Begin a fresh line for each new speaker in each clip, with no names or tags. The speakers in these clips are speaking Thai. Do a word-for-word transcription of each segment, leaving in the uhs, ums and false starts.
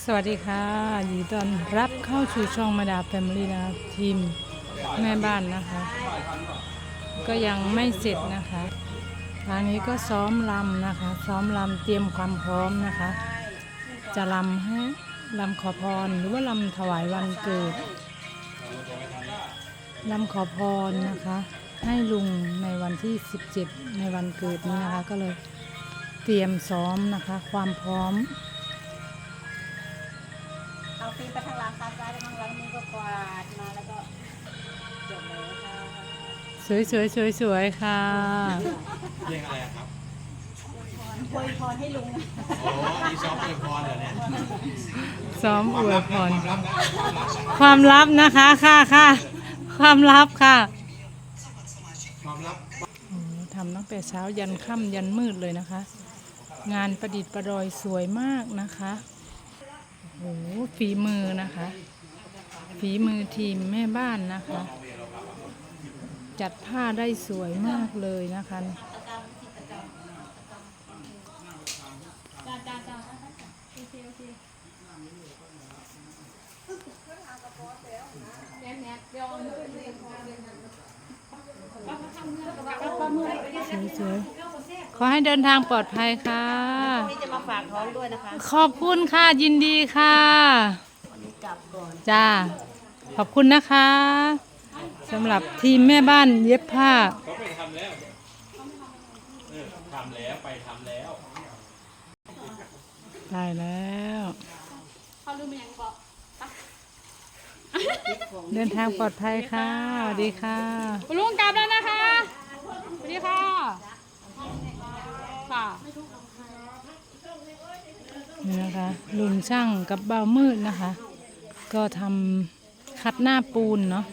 สวัสดีค่ะยินดีต้อนรับเข้าสู่ช่องมาดาแฟมิลี่นะคะทีมแม่บ้านนะคะ ก็ยังไม่เสร็จนะคะทางนี้ก็ซ้อมรำนะคะ ซ้อมรำเตรียมความพร้อมนะคะ จะรำให้รำขอพรหรือว่ารำถวายวันเกิดรำขอพรนะคะ ให้ลุงในวันที่สิบเจ็ดในวันเกิดนี้นะคะ ก็เลยเตรียมซ้อมนะคะ ความพร้อม
เอาตีไปทางหลังตาซ้ายไปทางหลังนี้ก็กวาดมาแล้วก็จบเลยค่ะ
สวยสวยสวยสวยค่ะ
เพลงอะไรครับ
อวยพรให้ลุง
โอ้ยซ้อมอวยพรเหรอเนี่ย
ซ้อมอวยพรความลับนะคะค่ะค่ะความลับค่ะ
ความลับ
ทำตั้งแต่เช้ายันค่ำยันมืดเลยนะคะ งานประดิษฐ์ประดอยสวยมากนะคะโอ้โหฝีมือนะคะฝีมือทีมแม่บ้านนะคะจัดผ้าได้สวยมากเลยนะคะสวยๆขอให้เดินทางปลอดภัยค่ะ
นี่จะมาฝากท้องด้วยนะคะ
ขอบคุณค่ะยินดีค่ะ
วันนี้กลับก่อน
จ้าขอบคุณนะคะสำหรับทีมแม่บ้านเย็บผ้า
เขาไปทำแล้วเออทำแล้วไปทำแล้ว
ได้แล้วเดินทางปลอดภัยค่ะสวัสดีค่ะ
คุณลุงกลับแล้วนะคะสวัสดีค่ะค่ะ
นี่นะคะลุงช่างกับเบามืดนะคะก็ทำคัดหน้าปูนเนาะ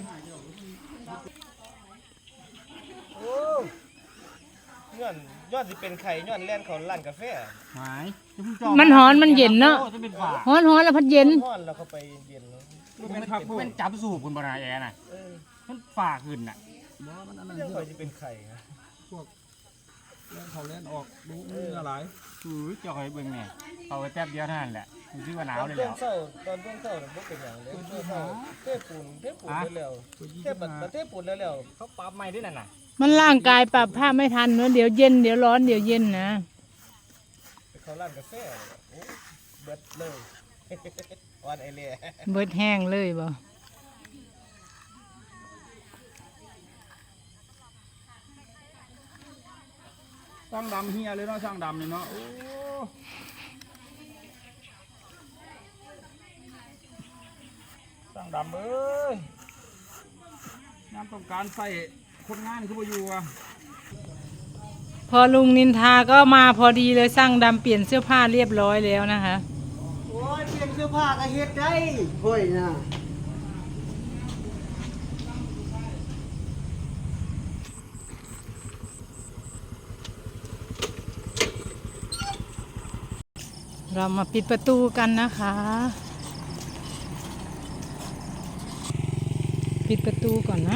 ย้อนย้อนสิเป็นไข่ย้อนแล่นเขาร้านกาแฟ
หาย
มันร้อนมันเย็นเนาะร้อนร้อนแล้วพัดเย็น
ร้อนแล้วเขาไปเย็นแล้ว
เป็นผักเป็นจับสูบคุณบรายแอน่ะมันฝ่าขึ้นน่ะ
เรื่องเขาจะเป็นไข่ฮะ
พวกเล่นเขาเล่นออกดูมืออะไรอือจอยเบิ่งเนี่ยเอาไปแป๊บเดียวเท่านั้นแหละมันชื่อว่าหนาวเลยแล้ว
ตอนเช้าตอนช่วงเช้าเนี่ยเป็นอย่างเลยเช้าเทปูนเทปูนแล้วเทปัดเทปูนแล้ว
เขาปรับใหม่ด้วยนั่นน่ะ
มันร่างกายปรับผ้าไม่ทันเนอะเดี๋ยวเย็นเดี๋ยวร้อนเดี๋ยวเย็นนะ
เขาร้านกาแฟโอ้เบิดเลยวันไอเล่
เบิดแห้งเลยบ่
ช่างดำเฮียเลยเนาะช่างดำเลยเนาะโอ้ช่างดำเอ้ยน้ำต้องการใส่คนงานคือบ่อยู่อ่ะ
พอลุงนินทาก็มาพอดีเลยสร้างดำเปลี่ยนเสื้อผ้าเรียบร้อยแล้วนะคะ
โอ้ยเปลี่ยนเสื้อผ้าก็เฮ็ดได้เฮ้ยนะ
เรามาปิดประตูกันนะคะปิดประตูก่อนนะ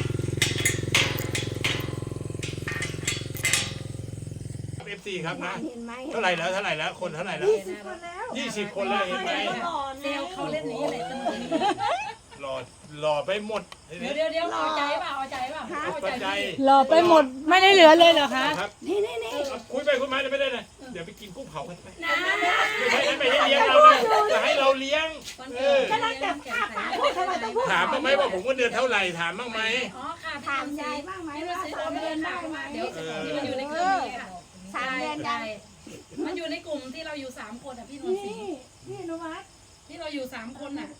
เอฟซีครับนะเท่าไหร่แล้วเท่าไหร่แล้วคนเท่าไหร่แล้วยี่สิบคนแล้วเห็นไหม
เซลเขาเล่นนี้เลยสนุก
หล่อหล่อไปหมด
เดี๋ยวเดี๋ยวเดี๋ยวเอาใจเปล่าเอาใจเปล่าเอาใจ
หล่อไปหมดไม่ได้เหลือเลยเหรอคะ
นี่นี่นี่
คุยไปคุยมาจะไม่ได้เลยเดี๋ยวไปกินกุ้งเผากันไปไม่ใช่ไม่ให้เลี้ยงเรานะจะให้เราเลี้ยง
กำลังจะถาม
ถามบ้างไหมว่าผมเงินเดือนเท่าไหร่ถามบ้างไหม
อ๋อค่ะ
ถามยายบ้างไหมว่าสามเดือนได้ไหม
เดี๋ยวที่มันอยู่ในกลุ่มค่ะ
สามเดือนได้
มันอยู่ในกลุ่มที่เราอยู่สามคนอ่ะพี่นนท์ศรี
พี่นุวัฒน์
ที่เราอยู่สามคนอ่ะ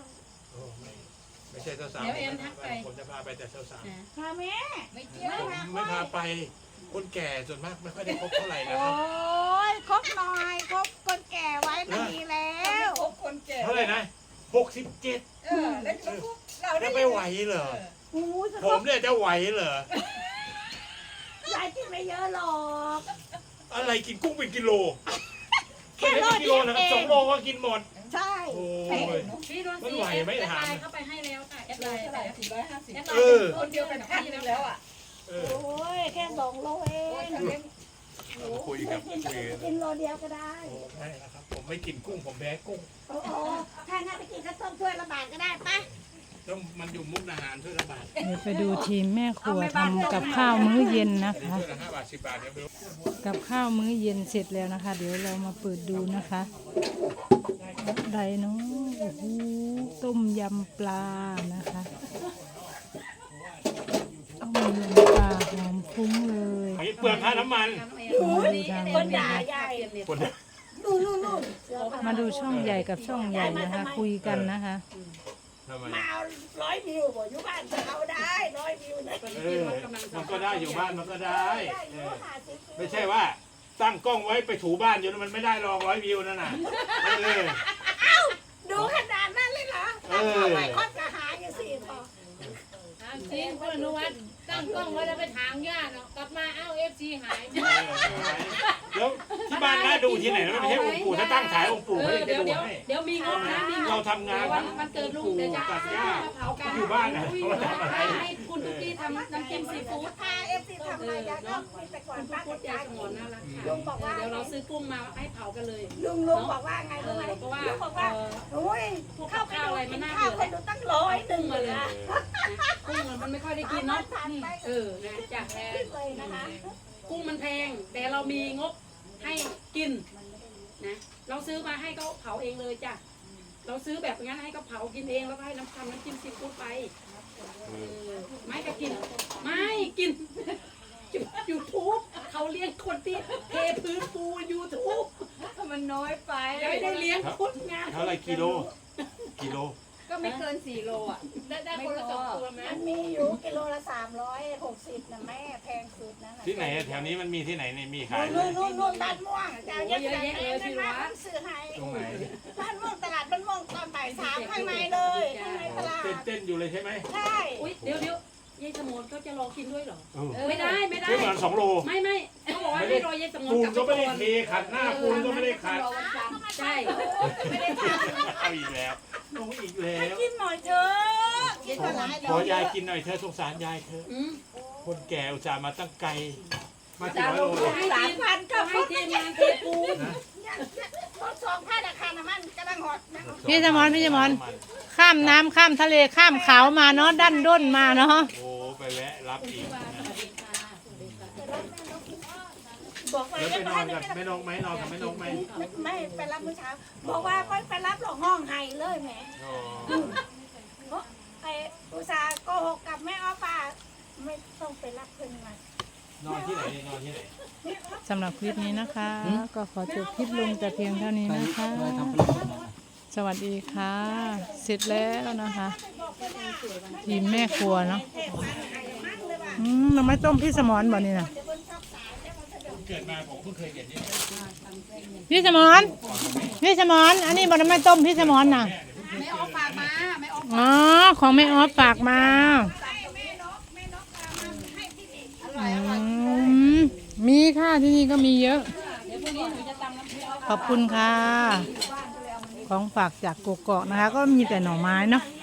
ไม่ใช่เจ้าสาวผมจะพาไปแต่เจ้าสาว
พาแม่
ไม่เกี่ยว
ไม่พาไปคนแก่ส่วนมากไม่ค่อยได้คบเท่าไหร่นะครับ
โอ้ยคบหน่อยคบคนแก่ไว้ก็ดีแล้ว
คบคนแก่
เท่าไหร่นะหกสิบเจ็ด
เออแล้วเรา
ได้ไม่ไหวเหรอผมเนี่ยจะไหวเหร
อยายกินไม่เยอะหรอก
อะไรกินกุ้งเป็นกิโลแค่กิโลนะครับสองโลก็กินหมด
ใช่
โอ้ย
พี่นนท์ศรีแอดไลน์เข้าไปให้แล้วค่ะแอดไลน์แต่สี่ร้อยห้าสิบคนเดียวกันพี่แล้วอ่ะ
โอ้ยแค่สองโลเอง
คุยกับคุย
กินโลเดียวก็ได้
ใช่นะครับผมไม่กินกุ้งผมแพ้กุ้ง
โอ้โหถ้างั้นไปกินข้าวต้มถ้วยละบาทก็ได้ปะ
ต้องมันอยู่มุกดาหารช่วยละบาท
เดี๋ยวไปดูทีมแม่ครัวทำกับข้าวมื้อเย็นนะคะ
ช่วยละห้าบาทสิบบาทเดี๋ยวไปดู
กับข้าวมื้อเย็นเสร็จแล้วนะคะ เดี๋ยวเรามาเปิดดูนะคะอะไรเนาะโอ้โหต้มยำปลานะคะต้มยำปลาหอมฟุ้งเลย
ไอ้เปลืองค่าน้ำมัน
คนด่าใหญ่
คน
นู่นนู่นนู่น
มาดูช่องใหญ่กับช่องใหญ่นะคะ คุยกันนะคะ
ทำไม
มาเอาร้อยวิวบ่อยู่บ้านจะเอาได้ร้อยวิวนะ
เออมันก็ได้อยู่บ้านมันก็ได้
ได้
เอ
อยู่
อ
หาสิบวิว
ไม่ใช่ว่าตั้งกล้องไว้ไปถูบ้านอยู่แล้วมันไม่ได้รองร้อยวิวนั่นน่ะเออ
ดูขนาดนั้นเลยเหรอ
เออ
เอาไปคดกระหายอยู่สี่พอ
จริงคุณอนุวัฒน์ตั้งกล้องไว้แล้วไปถางหญ้าเนาะกลับมาเอ้าเอฟซีหาย
แล้วที่บ้านน่าดูที่ไหนแล้วไม่ใช่องค์ปู่ถ้าตั้งฉายองค์ปู่
เอ
ไม่
อ
ได้
เดี๋ยว
ดู
เดี๋ยว
ให้
เดี๋ยวมีงบนะมีง
เรา
บ
ทำงาน
วัน
ทั้ง
วันเกิดลุง
ปู่
เดี๋ยวจะ
ตัดหญ้า
เผากัน
อยู่บ้านน่ะ
อุ้ย
เขาทำอะไร
ให้ให้คุณทุกที่ทำน้ำจิ้มซีฟู้ด
พาเอฟซีทำอะไรยายก็มีแต่ก่อน
คุณ
ป้า
พู
ก็
ดยา
จ่าย
สมอนน่ารักค่ะ
ลุงบอกว่า
เดี๋ยวเราซื้อกุ้งมาให้เผากันเลย
ลุงลุงบอกว่าไง
เอ
รู้
อ
ไหม
เพราะว่า
ลุงบอกว่า
เออ
โอ้ย
พวก
เข้าไป
ข้าว
ดู
อะไรมั
กิ
น
น
น่า
ข้าว
เบื่
ค
อน
ดูตั้งร้อยหนึ่ง
กุ้ง
เล
มาย เลย
นะ
กุ้งมันไม่ค่อยได้กินเนาะอืมเออนะจ้ะ
ขึ้นเลยนะคะ
กุ้งมันแพงแต่เรามีงบให้กินนะเราซื้อมาให้เขาเผาเองเลยจ้ะเราซื้อแบบงั้นให้เขาเผากินเองแล้วก็ให้น้ำทำน้ำจิ้มซีฟู้ดไปเออไม่ก็กิน ไม่กินยูทูบเขาเลี้ยงคนที่เทพื้นปูยูทูบ
มันน้อยไป
ไม่ได้เลี้ยงคนงาน
เท่าไหรกิโลกิโล
ก็ไม่เกินสี่โลอ่ะ
ได้ได้คนละสองตัวไหม
มันมีอยู่กิโลละสามร้อยหกสิบนะแม่แพงสุดนั่นน่ะ
ที่ไหนอะแถวนี้มันมีที่ไหนเนี่ยมีขายไหม
นู่นนู่นนู่นบ้านม่วงเจ้าเยอะแยะเลยพี่วัดซื้อให้
ตรงไหน
บ้านม่วงตลาดบ้านม่วงตอนบ่ายสามข้างในเลยข้างในตลาด
เต้นเต้นอยู่เลยใช่ไหม
ใช่
อุ้ยเดี๋ยวเดี๋ยวยายสมนเขาจะรอกินด้วยเหรอ
เออ
ไม่ได้ไม่ได้
ซื้อมาสองโล
ไม่ไม่เขาบอกว่าให้รอยายสมน
ปูน
กลับ
ก็
ไป
ไม่ได้
ก่อน
เทขัดหน้าปูนก็ไม่ได้ขัด
ใช่
ไม่ได้ท
เอาอีกแล้วลงอีกแล้ว
ำกินหน่อยเถอะกิน
ขอ
มาหลาย
ขอยายกินหน่อยเธอสงสารยายเธอ
อืม
คนแก่อุตส่าห์มาตั้งไกลมากี่ร้อยโล
สามพันก็
ให้
ให้
ทีมงานเทปูน
รถสองพันอาคารน้ำมันกำลังหดนะ
พี่สมรพี่สมรข้ามน้ำข้ามทะเลข้ามเขามาเนาะดันด้นมาเนาะ
โอ้ไปแวะรับอีกนะ
บอกว่า
แล้วไปนอนกับแม่นกไหมนอนกับแม่นกไหม
ไม่ไปรับเมื่อเช้าบอกว่าไปไปรับหลอกห้องไห้เลยแหม
อ๋อ
ไอ้อุตสาห์โกหกกับแม่อ้อป่าไม่ต้องไปรับเพิ่นมาน
อนที่ไหนนอนที่ไหน
สำหรับคลิปนี้นะคะ ก็ขอจบคลิปลงแต่เพียงเท่านี้นะคะ สวัสดีค่ะ เสร็จแล้วนะคะ ทีมแม่ครัวเนาะอืมเราไม่ต้มพี่สมรบ่นี่นะ
เกิดมาผมเพิ่งเคยเห็นนี่
พี่สมรพี่สมรอันนี้บ่ได้ไม่ต้มพี่สมรน่ะ
ไม่ออกฝากมาไม่ออก
อ๋อของแม่ออฟฝากมาอืมมีค่ะที่นี่ก็มีเยอะ
เดี๋ยวพรุ่งนี้หนูจะตำน้ำพริก
ขอบคุณค่ะ ของฝากจากกกอกนะคะ ก็มีแต่หน่อไม้เนาะ